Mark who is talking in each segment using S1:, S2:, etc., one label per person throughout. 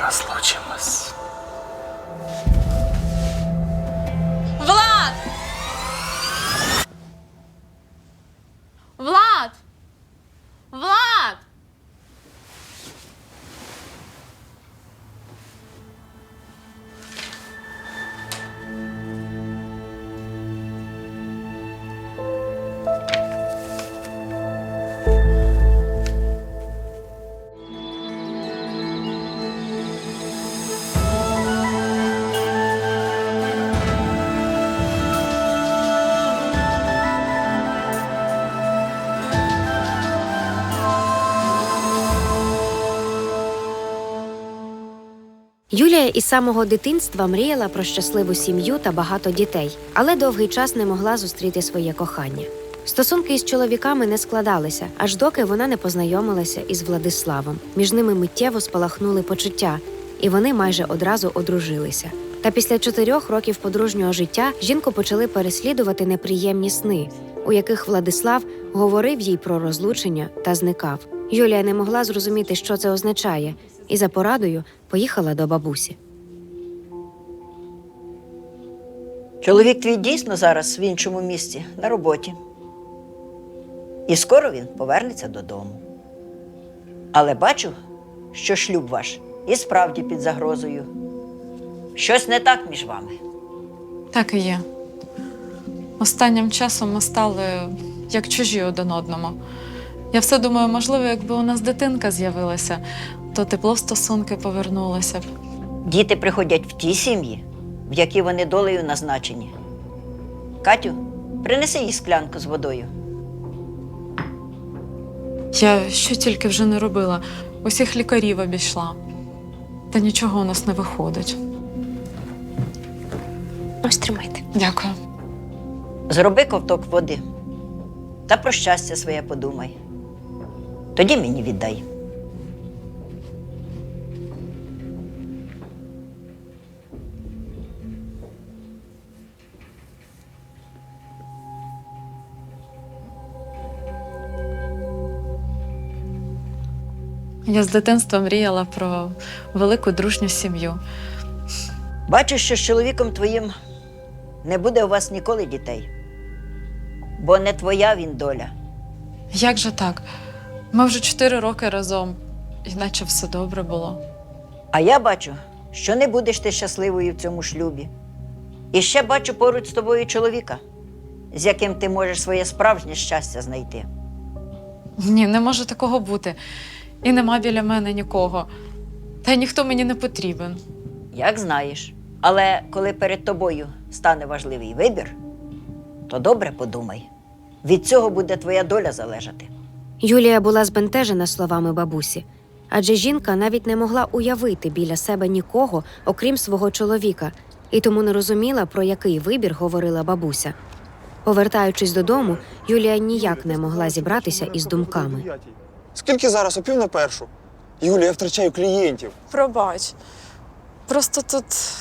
S1: розлучимось.
S2: Влад! Влад! Влад!
S3: Юлія із самого дитинства мріяла про щасливу сім'ю та багато дітей, але довгий час не могла зустріти своє кохання. Стосунки із чоловіками не складалися, аж доки вона не познайомилася із Владиславом. Між ними миттєво спалахнули почуття, і вони майже одразу одружилися. Та після 4 років подружнього життя жінку почали переслідувати неприємні сни, у яких Владислав говорив їй про розлучення та зникав. Юлія не могла зрозуміти, що це означає, і за порадою поїхала до бабусі.
S4: Чоловік твій дійсно зараз в іншому місці, на роботі. І скоро він повернеться додому. Але бачу, що шлюб ваш і справді під загрозою. Щось не так між вами.
S2: Так і є. Останнім часом ми стали як чужі один одному. Я все думаю, можливо, якби у нас дитинка з'явилася, то тепло в стосунки повернулося б.
S4: Діти приходять в ті сім'ї, в які вони долею назначені. Катю, принеси їй склянку з водою.
S2: Я що тільки вже не робила, усіх лікарів обійшла. Та нічого у нас не виходить.
S3: Ось тримайте.
S2: Дякую.
S4: Зроби ковток води та про щастя своє подумай. Тоді мені віддай.
S2: Я з дитинства мріяла про велику дружню сім'ю.
S4: Бачу, що з чоловіком твоїм не буде у вас ніколи дітей. Бо не твоя він доля.
S2: Як же так? Ми вже 4 роки разом, іначе все добре було.
S4: А я бачу, що не будеш ти щасливою в цьому шлюбі. І ще бачу поруч з тобою чоловіка, з яким ти можеш своє справжнє щастя знайти.
S2: Ні, не може такого бути. І нема біля мене нікого. Та й ніхто мені не потрібен.
S4: Як знаєш. Але коли перед тобою стане важливий вибір, то добре подумай. Від цього буде твоя доля залежати.
S3: Юлія була збентежена словами бабусі, адже жінка навіть не могла уявити біля себе нікого, окрім свого чоловіка, і тому не розуміла, про який вибір говорила бабуся. Повертаючись додому, Юлія ніяк не могла зібратися із думками.
S5: Скільки зараз? О 12:45. Юлія, я втрачаю клієнтів.
S2: Пробач. Просто тут...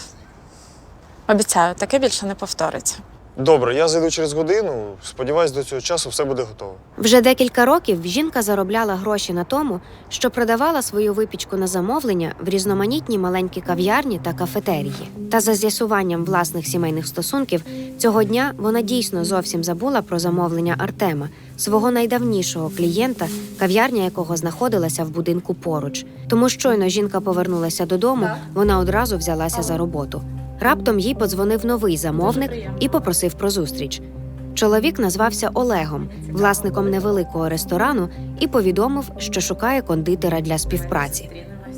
S2: Обіцяю, таке більше не повториться.
S5: Добре, я зайду через годину. Сподіваюсь, до цього часу все буде готово.
S3: Вже декілька років жінка заробляла гроші на тому, що продавала свою випічку на замовлення в різноманітні маленькі кав'ярні та кафетерії. Та за з'ясуванням власних сімейних стосунків, цього дня вона дійсно зовсім забула про замовлення Артема, свого найдавнішого клієнта, кав'ярня якого знаходилася в будинку поруч. Тому щойно жінка повернулася додому, вона одразу взялася за роботу. Раптом їй подзвонив новий замовник і попросив про зустріч. Чоловік назвався Олегом, власником невеликого ресторану, і повідомив, що шукає кондитера для співпраці.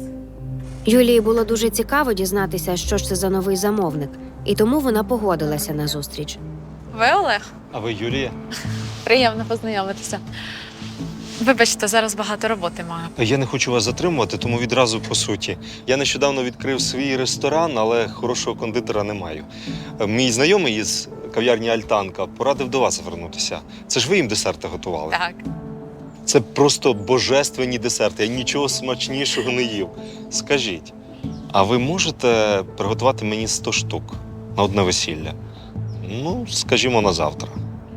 S3: Юлії було дуже цікаво дізнатися, що ж це за новий замовник, і тому вона погодилася на зустріч.
S2: Ви Олег?
S1: А ви Юлія?
S2: Приємно познайомитися. Вибачте, зараз багато роботи маю.
S1: Я не хочу вас затримувати, тому відразу по суті. Я нещодавно відкрив свій ресторан, але хорошого кондитера не маю. Мій знайомий із кав'ярні «Альтанка» порадив до вас звернутися. Це ж ви їм десерти готували?
S2: Так.
S1: Це просто божественні десерти. Я нічого смачнішого не їв. Скажіть, а ви можете приготувати мені 100 штук на одне весілля? Ну, скажімо, на завтра.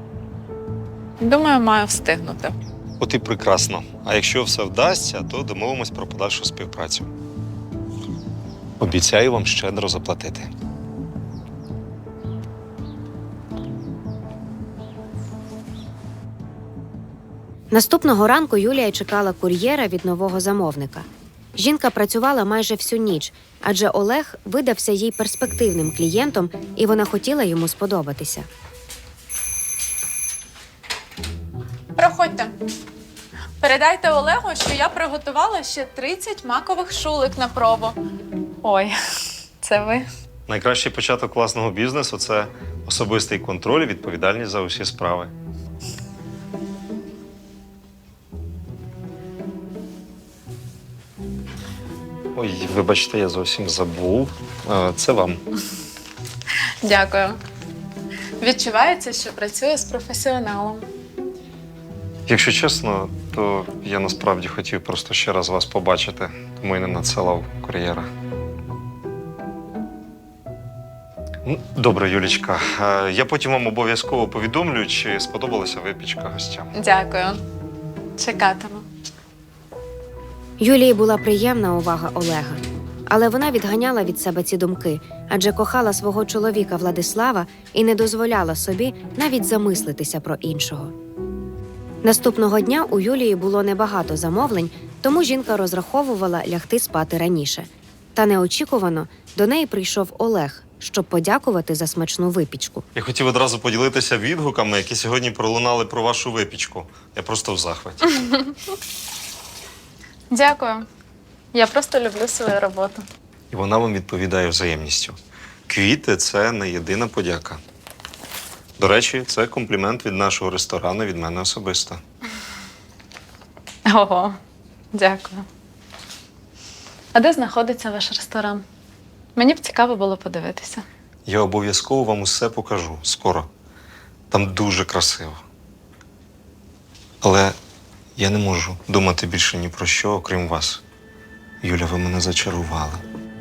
S2: Думаю, маю встигнути.
S1: От і прекрасно. А якщо все вдасться, то домовимось про подальшу співпрацю. Обіцяю вам щедро заплатити.
S3: Наступного ранку Юлія чекала кур'єра від нового замовника. Жінка працювала майже всю ніч, адже Олег видався їй перспективним клієнтом, і вона хотіла йому сподобатися.
S2: Проходьте. Передайте Олегу, що я приготувала ще 30 макових шулик на пробу. Ой, це ви?
S1: Найкращий початок власного бізнесу – це особистий контроль і відповідальність за усі справи. Ой, вибачте, я зовсім забув. Це вам.
S2: Дякую. Відчувається, що працюю з професіоналом.
S1: Якщо чесно, то я насправді хотів просто ще раз вас побачити, тому і не надсилав кур'єра. Ну, добре, Юлічка. Я потім вам обов'язково повідомлю, чи сподобалася випічка гостям.
S2: Дякую. Чекатиму.
S3: Юлії була приємна увага Олега, але вона відганяла від себе ці думки, адже кохала свого чоловіка Владислава і не дозволяла собі навіть замислитися про іншого. Наступного дня у Юлії було небагато замовлень, тому жінка розраховувала лягти спати раніше. Та неочікувано до неї прийшов Олег, щоб подякувати за смачну випічку.
S1: Я хотів одразу поділитися відгуками, які сьогодні пролунали про вашу випічку. Я просто в захваті.
S2: Дякую. Я просто люблю свою роботу.
S1: І вона вам відповідає взаємністю. Квіти – це не єдина подяка. До речі, це комплімент від нашого ресторану, від мене особисто.
S2: Ого, дякую. А де знаходиться ваш ресторан? Мені б цікаво було подивитися.
S1: Я обов'язково вам усе покажу скоро. Там дуже красиво. Але я не можу думати більше ні про що, окрім вас. Юля, ви мене зачарували.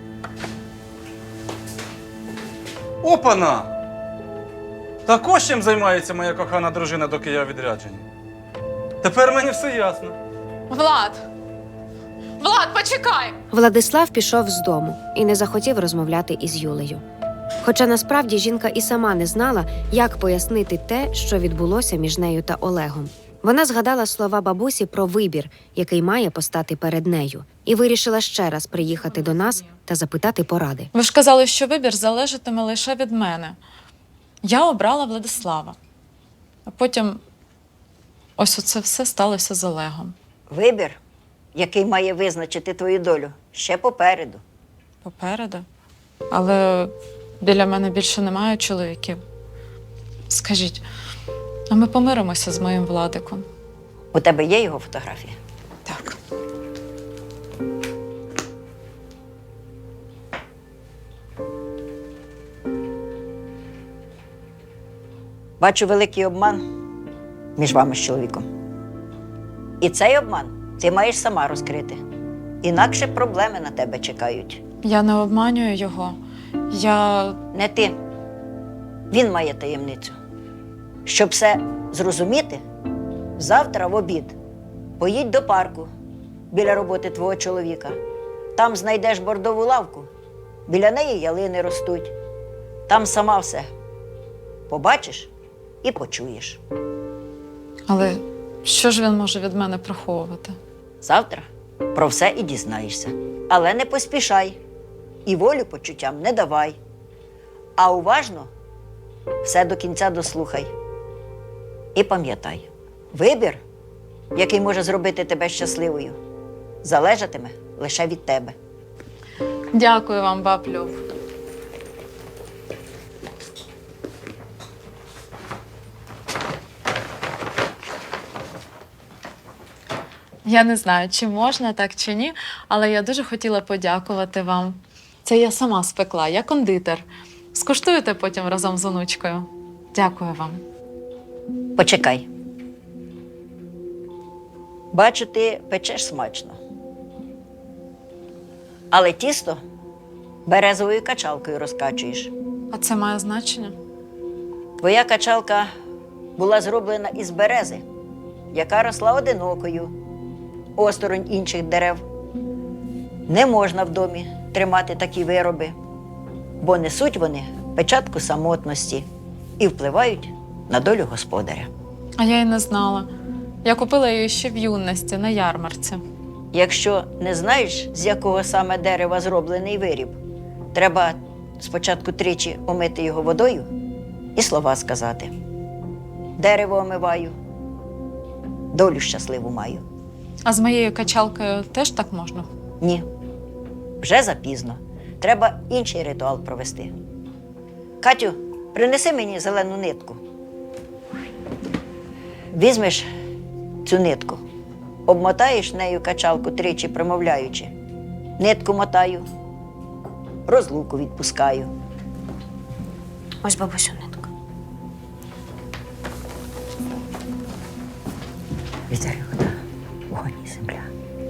S6: Опана! Так ось чим займається моя кохана дружина, доки я у відрядженні. Тепер мені все ясно.
S2: Влад! Влад, почекай!
S3: Владислав пішов з дому і не захотів розмовляти із Юлею. Хоча насправді жінка і сама не знала, як пояснити те, що відбулося між нею та Олегом. Вона згадала слова бабусі про вибір, який має постати перед нею, і вирішила ще раз приїхати до нас та запитати поради.
S2: Ви ж казали, що вибір залежатиме лише від мене. Я обрала Владислава. А потім ось оце все сталося з Олегом.
S4: Вибір, який має визначити твою долю, ще попереду.
S2: Попереду. Але біля мене більше немає чоловіків. Скажіть, а ми помиримося з моїм Владиком?
S4: У тебе є його фотографія?
S2: Так.
S4: Бачу великий обман між вами з чоловіком. І цей обман ти маєш сама розкрити. Інакше проблеми на тебе чекають.
S2: Я не обманюю його. Я...
S4: Не ти. Він має таємницю. Щоб все зрозуміти, завтра в обід поїдь до парку біля роботи твого чоловіка. Там знайдеш бордову лавку, біля неї ялини ростуть. Там сама все побачиш і почуєш.
S2: Але що ж він може від мене приховувати?
S4: Завтра про все і дізнаєшся. Але не поспішай і волю почуттям не давай. А уважно все до кінця дослухай. І пам'ятай, вибір, який може зробити тебе щасливою, залежатиме лише від тебе.
S2: Дякую вам, баб Люб. Я не знаю, чи можна так, чи ні, але я дуже хотіла подякувати вам. Це я сама спекла, я кондитер. Скуштуєте потім разом з онучкою. Дякую вам.
S4: Почекай. Бачу, ти печеш смачно. Але тісто березовою качалкою розкачуєш.
S2: А це має значення?
S4: Твоя качалка була зроблена із берези, яка росла одинокою, осторонь інших дерев. Не можна в домі тримати такі вироби, бо несуть вони печатку самотності і впливають на долю господаря.
S2: А я й не знала. Я купила її ще в юності на ярмарці.
S4: Якщо не знаєш, з якого саме дерева зроблений виріб, треба спочатку тричі омити його водою і слова сказати. Дерево омиваю, долю щасливу маю.
S2: А з моєю качалкою теж так можна?
S4: Ні, вже запізно. Треба інший ритуал провести. Катю, принеси мені зелену нитку. Візьмеш цю нитку, обмотаєш нею качалку тричі, промовляючи. Нитку мотаю, розлуку відпускаю.
S3: Ось бабусю нитку.
S4: Вітер і вода, вогонь і земля.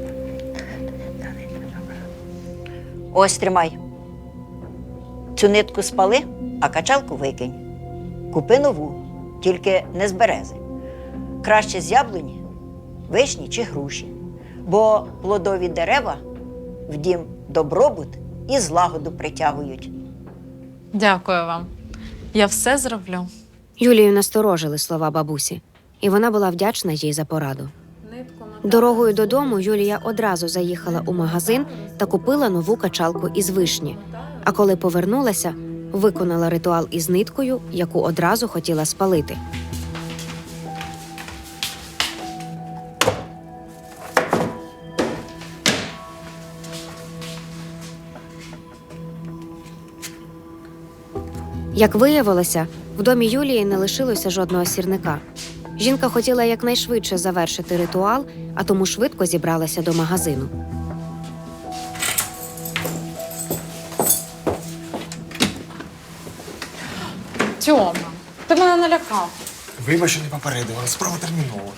S4: Ось тримай. Цю нитку спали, а качалку викинь. Купи нову, тільки не з берези. Краще з яблуні, вишні чи груші. Бо плодові дерева в дім добробут і злагоду притягують.
S2: Дякую вам. Я все зроблю.
S3: Юлію насторожили слова бабусі, і вона була вдячна їй за пораду. Дорогою додому Юлія одразу заїхала у магазин та купила нову качалку із вишні. А коли повернулася, виконала ритуал із ниткою, яку одразу хотіла спалити. Як виявилося, в домі Юлії не лишилося жодного сірника. Жінка хотіла якнайшвидше завершити ритуал, а тому швидко зібралася до магазину.
S2: Тьома, ти мене налякав.
S5: Вибач, що не попередила, справа термінова.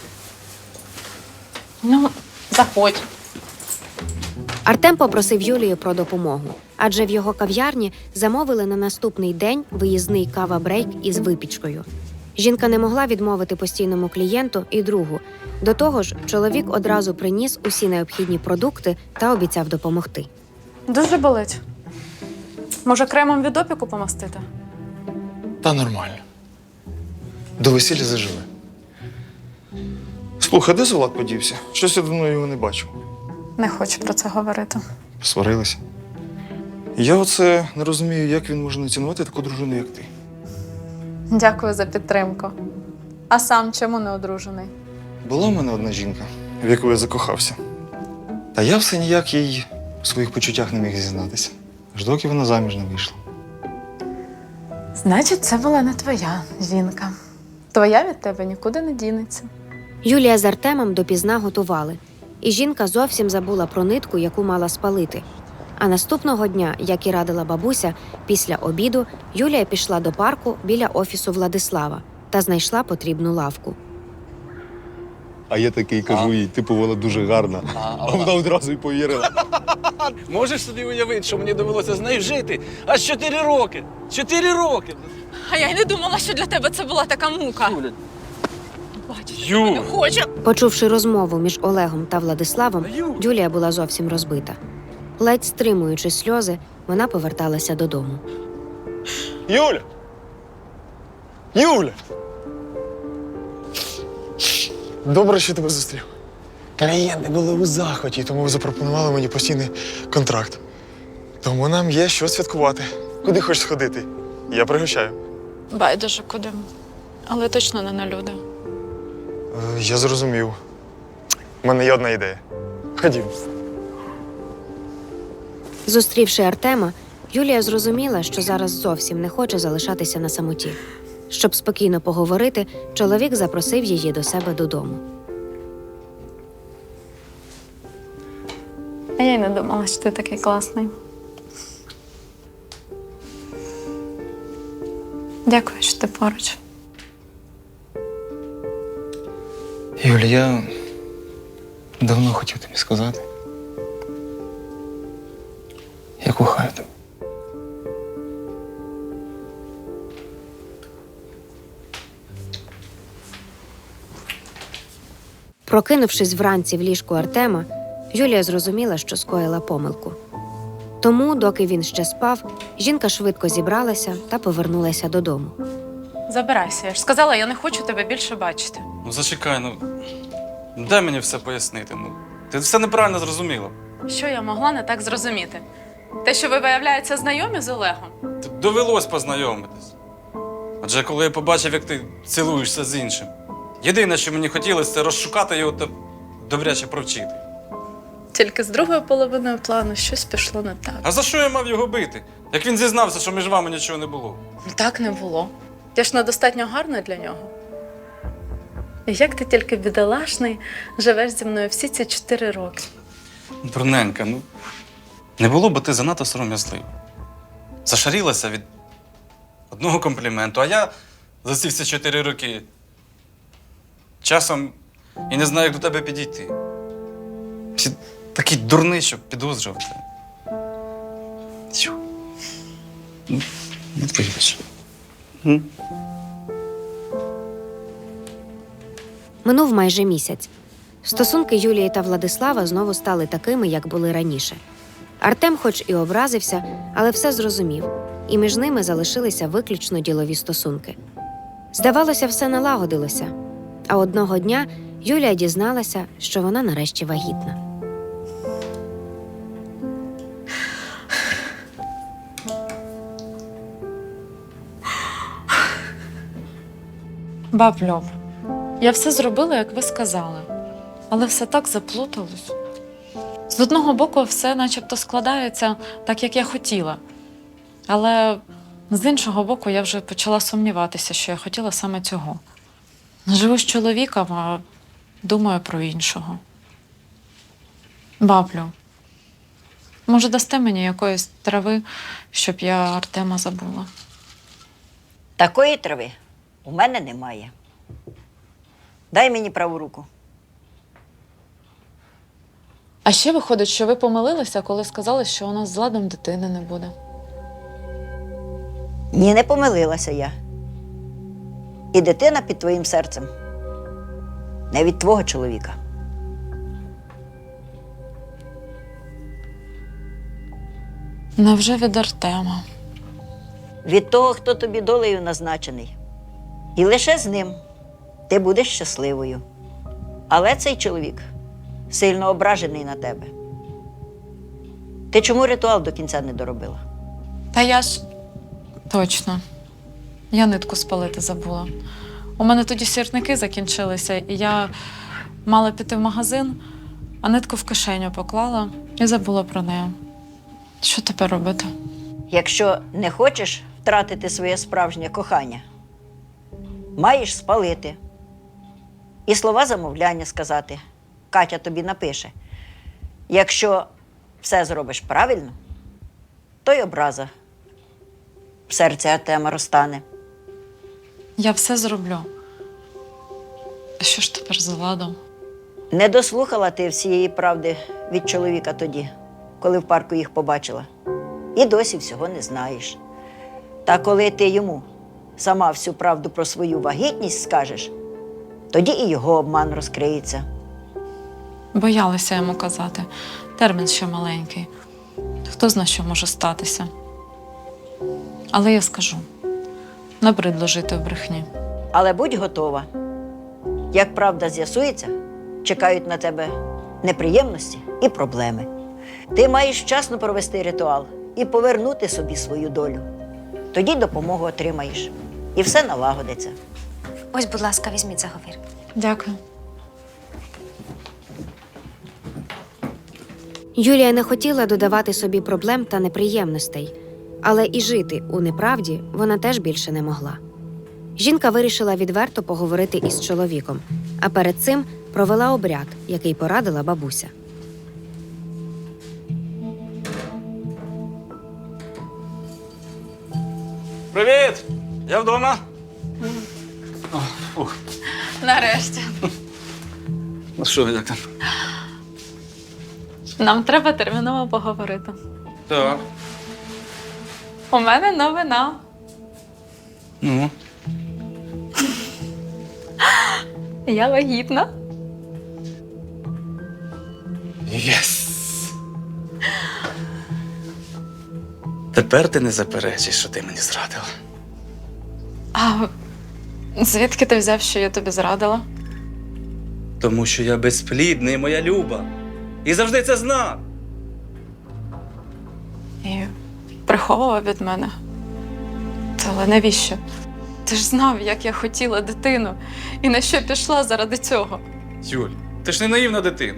S2: Ну, заходь.
S3: Артем попросив Юлію про допомогу, адже в його кав'ярні замовили на наступний день виїзний кава-брейк із випічкою. Жінка не могла відмовити постійному клієнту і другу. До того ж, чоловік одразу приніс усі необхідні продукти та обіцяв допомогти.
S2: Дуже болить. Може, кремом від опіку помастити?
S5: Та нормально. До весілля заживе. Слухай, де Золак подівся? Щось я давно його не бачив.
S2: Не хочу про це говорити.
S5: Посварилися. Я оце не розумію, як він може не цінувати таку дружину, як ти.
S2: Дякую за підтримку. А сам чому не одружений?
S5: Була в мене одна жінка, в яку я закохався. Та я все ніяк їй у своїх почуттях не міг зізнатися. Аж доки вона заміж не вийшла.
S2: Значить, це була не твоя жінка. Твоя від тебе нікуди не дінеться.
S3: Юлія з Артемом допізна готували, і жінка зовсім забула про нитку, яку мала спалити. А наступного дня, як і радила бабуся, після обіду Юлія пішла до парку біля офісу Владислава та знайшла потрібну лавку.
S1: А я такий кажу їй, типу, вона дуже гарна. А вона одразу й повірила.
S7: Можеш собі уявити, що мені довелося з нею жити аж 4 роки. 4 роки!
S8: А я й не думала, що для тебе це була така мука.
S7: Юля.
S8: Бачиш,
S7: Ю.
S8: я не хочу.
S3: Почувши розмову між Олегом та Владиславом,
S7: Ю.
S3: Юлія була зовсім розбита. Ледь стримуючи сльози, вона поверталася додому.
S5: Юля! Юля! Добре, що тебе зустрів. Клієнти були у захваті, тому запропонували мені постійний контракт. Тому нам є що святкувати. Куди хочеш сходити? Я пригощаю.
S2: Байдуже куди. Але точно не на люди.
S5: Я зрозумів. У мене є одна ідея. Ходім.
S3: Зустрівши Артема, Юлія зрозуміла, що зараз зовсім не хоче залишатися на самоті. Щоб спокійно поговорити, чоловік запросив її до себе додому.
S2: А я й не думала, що ти такий класний. Дякую, що ти поруч.
S5: Юля, я давно хотів тобі сказати. Я кохаю тебе.
S3: Прокинувшись вранці в ліжку Артема, Юлія зрозуміла, що скоїла помилку. Тому, доки він ще спав, жінка швидко зібралася та повернулася додому.
S2: Забирайся, я ж сказала, я не хочу тебе більше бачити.
S6: Ну зачекай, дай мені все пояснити. Ти все неправильно зрозуміла.
S2: Що я могла не так зрозуміти? Те, що ви, виявляється, знайомі з Олегом?
S6: Довелось познайомитись. Адже коли я побачив, як ти цілуєшся з іншим, єдине, що мені хотілося, це розшукати його та добряче провчити.
S2: Тільки з другою половиною плану щось пішло не так.
S6: А за що я мав його бити? Як він зізнався, що між вами нічого не було?
S2: Так не було. Я ж недостатньо гарна для нього. І як ти тільки бідолашний живеш зі мною всі ці 4 роки?
S6: Дурненька, не було б ти занадто сором'язлива. Зашарілася від одного компліменту, а я за ці всі 4 роки часом і не знаю, як до тебе підійти. Всі такий дурний, щоб підозрювати. Тю. Вибач.
S3: Минув майже місяць. Стосунки Юлії та Владислава знову стали такими, як були раніше. Артем хоч і образився, але все зрозумів, і між ними залишилися виключно ділові стосунки. Здавалося, все налагодилося. А одного дня Юлія дізналася, що вона нарешті вагітна.
S2: Баб Льов, я все зробила, як ви сказали, але все так заплуталось. З одного боку, все начебто складається так, як я хотіла. Але з іншого боку, я вже почала сумніватися, що я хотіла саме цього. Живу з чоловіком, а думаю про іншого. Баблю, може, дасте мені якоїсь трави, щоб я Артема забула?
S4: Такої трави у мене немає. Дай мені праву руку.
S2: А ще виходить, що ви помилилися, коли сказали, що у нас з Владом дитини не буде.
S4: Ні, не помилилася я. І дитина під твоїм серцем. Не від твого чоловіка.
S2: Невже від Артема?
S4: Від того, хто тобі долею назначений. І лише з ним ти будеш щасливою. Але цей чоловік сильно ображений на тебе. Ти чому ритуал до кінця не доробила?
S2: Та я ж… Точно. Я нитку спалити забула. У мене тоді сірники закінчилися, і я мала піти в магазин, а нитку в кишеню поклала і забула про неї. Що тепер робити?
S4: Якщо не хочеш втратити своє справжнє кохання, маєш спалити. І слова замовляння сказати. Катя тобі напише. Якщо все зробиш правильно, то й образа в серці Артема розтане.
S2: Я все зроблю. А що ж тепер з Владом?
S4: Не дослухала ти всієї правди від чоловіка тоді, коли в парку їх побачила. І досі всього не знаєш. Та коли ти йому сама всю правду про свою вагітність скажеш, тоді і його обман розкриється.
S2: Боялася йому казати. Термін ще маленький. Хто знає, що може статися. Але я скажу. Набридло жити в брехні.
S4: Але будь готова. Як правда з'ясується, чекають на тебе неприємності і проблеми. Ти маєш вчасно провести ритуал і повернути собі свою долю. Тоді допомогу отримаєш. І все налагодиться.
S3: Ось, будь ласка, візьміть заговір.
S2: Дякую.
S3: Юлія не хотіла додавати собі проблем та неприємностей, але і жити у неправді вона теж більше не могла. Жінка вирішила відверто поговорити із чоловіком, а перед цим провела обряд, який порадила бабуся.
S6: Привіт! Я вдома.
S2: Нарешті.
S6: Ну що, як там?
S2: Нам треба терміново поговорити.
S6: Так.
S2: У мене новина.
S6: Ну.
S2: Я вагітна.
S6: Єс! Тепер ти не заперечиш, що ти мені зрадила.
S2: А звідки ти взяв, що я тобі зрадила?
S6: Тому що я безплідний, моя Люба. І завжди це знав.
S2: І приховував від мене. Але навіщо? Ти ж знав, як я хотіла дитину, і на що пішла заради цього.
S6: Юль, ти ж не наївна дитина.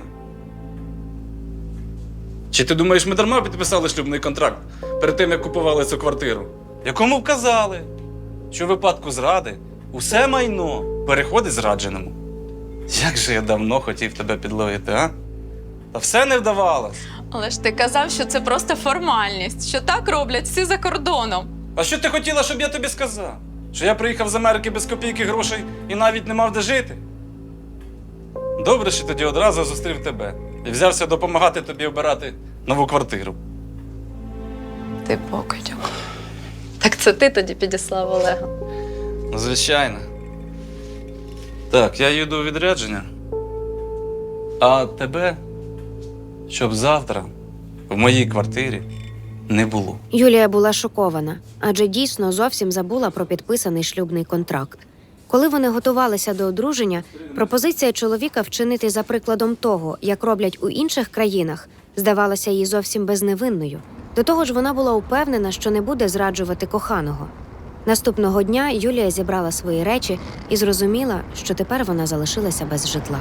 S6: Чи ти думаєш, ми дарма підписали шлюбний контракт перед тим, як купували цю квартиру? Якому вказали, що в випадку зради усе майно переходить зрадженому. Як же я давно хотів тебе підловити, а? Та все не вдавалось.
S2: Але ж ти казав, що це просто формальність, що так роблять всі за кордоном.
S6: А що ти хотіла, щоб я тобі сказав? Що я приїхав з Америки без копійки грошей і навіть не мав де жити? Добре, що тоді одразу зустрів тебе і взявся допомагати тобі обирати нову квартиру.
S2: Ти покидьок. Так це ти тоді підіслав Олега.
S6: Ну, звичайно. Так, я їду у відрядження. А тебе, щоб завтра в моїй квартирі не було.
S3: Юлія була шокована, адже дійсно зовсім забула про підписаний шлюбний контракт. Коли вони готувалися до одруження, пропозиція чоловіка вчинити за прикладом того, як роблять у інших країнах, здавалася їй зовсім безневинною. До того ж, вона була упевнена, що не буде зраджувати коханого. Наступного дня Юлія зібрала свої речі і зрозуміла, що тепер вона залишилася без житла.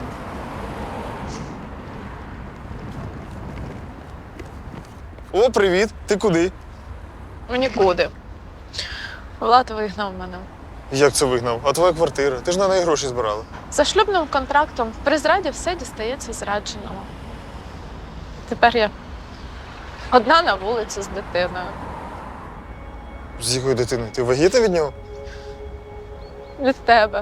S5: О, привіт! Ти куди?
S2: Нікуди. Влад вигнав мене.
S5: Як це вигнав? А твоя квартира? Ти ж на неї гроші збирала.
S2: За шлюбним контрактом при зраді все дістається зрадженому. Тепер я одна на вулиці з дитиною.
S5: З якої дитини? Ти вагітна від нього?
S2: Від тебе.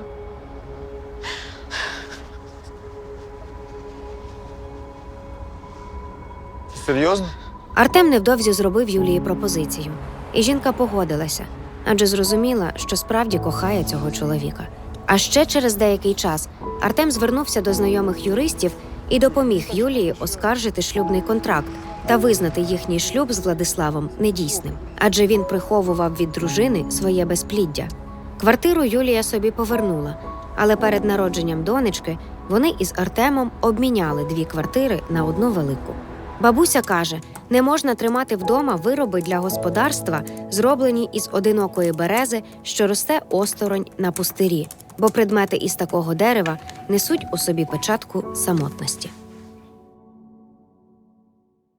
S5: Серйозно?
S3: Артем невдовзі зробив Юлії пропозицію. І жінка погодилася, адже зрозуміла, що справді кохає цього чоловіка. А ще через деякий час Артем звернувся до знайомих юристів і допоміг Юлії оскаржити шлюбний контракт та визнати їхній шлюб з Владиславом недійсним, адже він приховував від дружини своє безпліддя. Квартиру Юлія собі повернула, але перед народженням донечки вони із Артемом обміняли 2 квартири на одну велику. Бабуся каже, не можна тримати вдома вироби для господарства, зроблені із одинокої берези, що росте осторонь на пустирі, бо предмети із такого дерева несуть у собі печатку самотності.